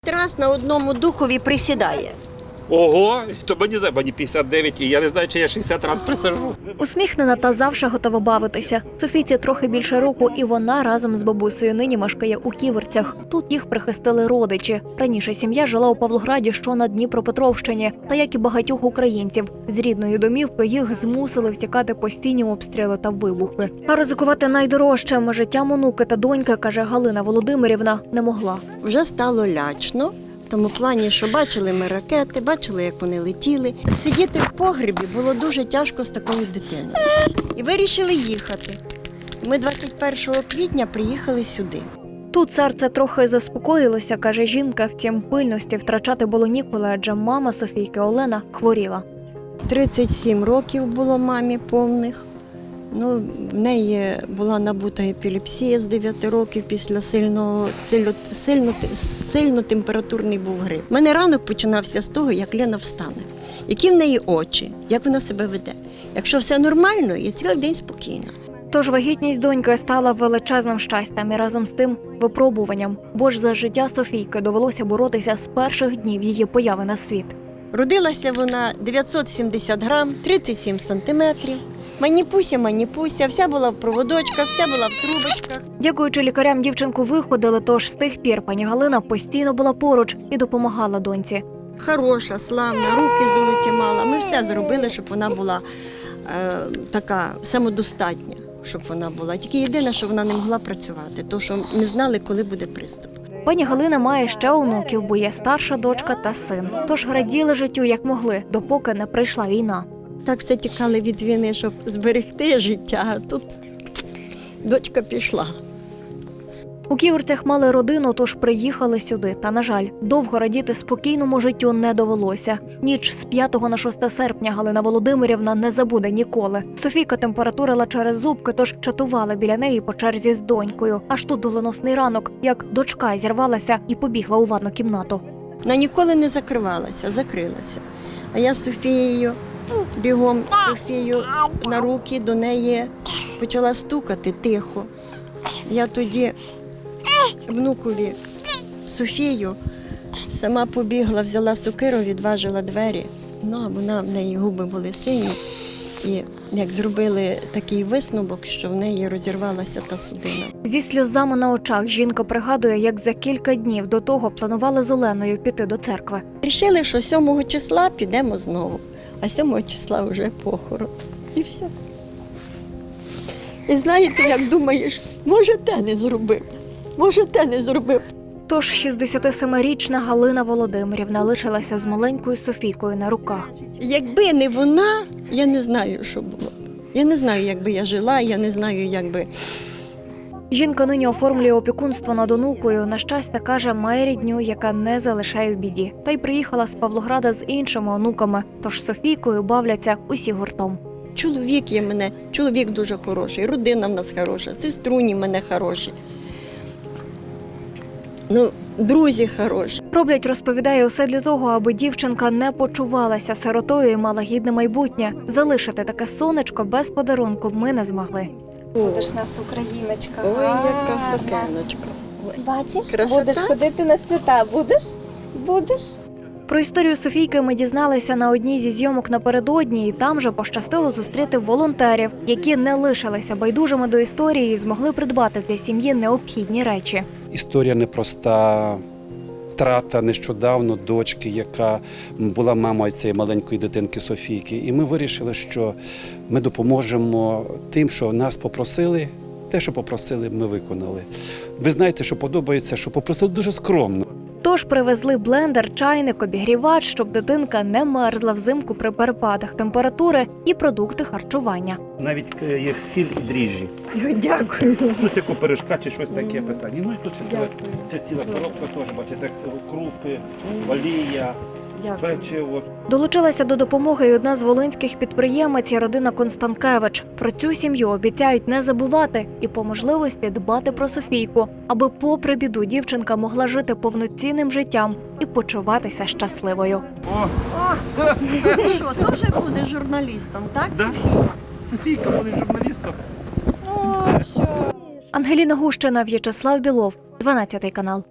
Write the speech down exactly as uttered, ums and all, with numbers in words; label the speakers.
Speaker 1: Раз на одному духові присідає.
Speaker 2: Ого, то мені за мені п'ятдесят дев'ять, і я не знаю, чи я шістдесят разів присаджу.
Speaker 3: Усміхнена та завжди готова бавитися. Софійці трохи більше року, і вона разом з бабусею нині мешкає у Ківерцях. Тут їх прихистили родичі. Раніше сім'я жила у Павлограді, що на Дніпропетровщині. Та як і багатьох українців, з рідної домівки їх змусили втікати постійні обстріли та вибухи. А ризикувати найдорожчим життям онуки та доньки, каже Галина Володимирівна, не могла.
Speaker 1: Вже стало лячно. В тому плані, що бачили ми ракети, бачили, як вони летіли. Сидіти в погребі було дуже тяжко з такою дитиною. І вирішили їхати. Ми двадцять першого квітня приїхали сюди.
Speaker 3: Тут серце трохи заспокоїлося, каже жінка, втім пильності втрачати було ніколи, адже мама Софійки Олена хворіла.
Speaker 1: тридцять сім років було мамі повних. Ну, в неї була набута епілепсія з дев'яти років після сильного, сильно, сильно, сильно температурний був грип. У мене ранок починався з того, як Лена встане. Які в неї очі, як вона себе веде. Якщо все нормально, я цілий день спокійна.
Speaker 3: Тож вагітність доньки стала величезним щастям і разом з тим випробуванням. Бо ж за життя Софійки довелося боротися з перших днів її появи на світ.
Speaker 1: Родилася вона дев'ятсот сімдесят грам, тридцять сім сантиметрів. Маніпуся, маніпуся, вся була в проводочках, вся була в трубочках.
Speaker 3: Дякуючи лікарям, дівчинку виходили, тож з тих пір пані Галина постійно була поруч і допомагала доньці.
Speaker 1: Хороша, славна, руки золоті мала. Ми все зробили, щоб вона була е, така самодостатня, щоб вона була. Тільки єдине, що вона не могла працювати, тому що не знали, коли буде приступ.
Speaker 3: Пані Галина має ще онуків, бо є старша дочка та син. Тож раділи життю як могли, допоки не прийшла війна.
Speaker 1: Так все тікали від війни, щоб зберегти життя, а тут дочка пішла.
Speaker 3: У Ківерцях мали родину, тож приїхали сюди. Та, на жаль, довго радіти спокійному життю не довелося. Ніч з п'ятого на шосте серпня Галина Володимирівна не забуде ніколи. Софійка температурила через зубки, тож чатувала біля неї по черзі з донькою. Аж тут доленосний ранок, як дочка зірвалася і побігла у ванну кімнату.
Speaker 1: Вона ніколи не закривалася, закрилася. А я з Софією бігом Софію на руки до неї почала стукати тихо. Я тоді внукові Софію сама побігла, взяла сокиру, відважила двері. Ну, а вона, в неї губи були сині. І як зробили такий висновок, що в неї розірвалася та судина.
Speaker 3: Зі сльозами на очах жінка пригадує, як за кілька днів до того планували з Оленою піти до церкви.
Speaker 1: Рішили, що сьомого числа підемо знову, а сьомого числа вже похорон. І все. І знаєте, як думаєш, може те не зробив, може те не зробив.
Speaker 3: Тож шістдесятисемирічна Галина Володимирівна лишилася з маленькою Софійкою на руках.
Speaker 1: Якби не вона, я не знаю, що було. Я не знаю, як би я жила, я не знаю, як би...
Speaker 3: Жінка нині оформлює опікунство над онукою. На щастя, каже, має рідню, яка не залишає в біді. Та й приїхала з Павлограда з іншими онуками, тож з Софійкою бавляться усі гуртом.
Speaker 1: Чоловік є мене, чоловік дуже хороший, родина в нас хороша, сеструні в мене хороші. Ну, друзі хороші.
Speaker 3: Роблять, розповідає, усе для того, аби дівчинка не почувалася сиротою і мала гідне майбутнє. Залишити таке сонечко без подарунку ми не змогли.
Speaker 4: Будеш нас україночка.
Speaker 1: Ой, яка
Speaker 4: гарна.
Speaker 1: сукеночка. Ой.
Speaker 4: Бачиш,
Speaker 1: Красота?
Speaker 4: будеш ходити на свята. Будеш? Будеш?
Speaker 3: Про історію Софійки ми дізналися на одній зі зйомок напередодні, і там же пощастило зустріти волонтерів, які не лишилися байдужими до історії і змогли придбати для сім'ї необхідні речі.
Speaker 5: Історія непроста. Втрата нещодавно дочки, яка була мамою цієї маленької дитинки Софійки. І ми вирішили, що ми допоможемо тим, що нас попросили. Те, що попросили, ми виконали. Ви знаєте, що подобається, що попросили дуже скромно.
Speaker 3: Тож привезли блендер, чайник, обігрівач, щоб дитинка не мерзла взимку при перепадах температури, і продукти харчування.
Speaker 2: Навіть є сіль і дріжджі.
Speaker 1: Дякую.
Speaker 2: Ну, яку пиріжка чи щось таке питання. Ну і тут ще ціла, це ціла коробка теж, бачите, крупи, олія, печиво.
Speaker 3: Долучилася до допомоги й одна з волинських підприємець, родина Констанкевич. Про цю сім'ю обіцяють не забувати і по можливості дбати про Софійку, аби попри біду дівчинка могла жити повноцінним життям і почуватися щасливою.
Speaker 2: О,
Speaker 1: Ти що, теж будеш журналістом, так?
Speaker 2: да? Софійка буде журналістом.
Speaker 3: Ангеліна Гущина, В'ячеслав Білов, дванадцятий канал.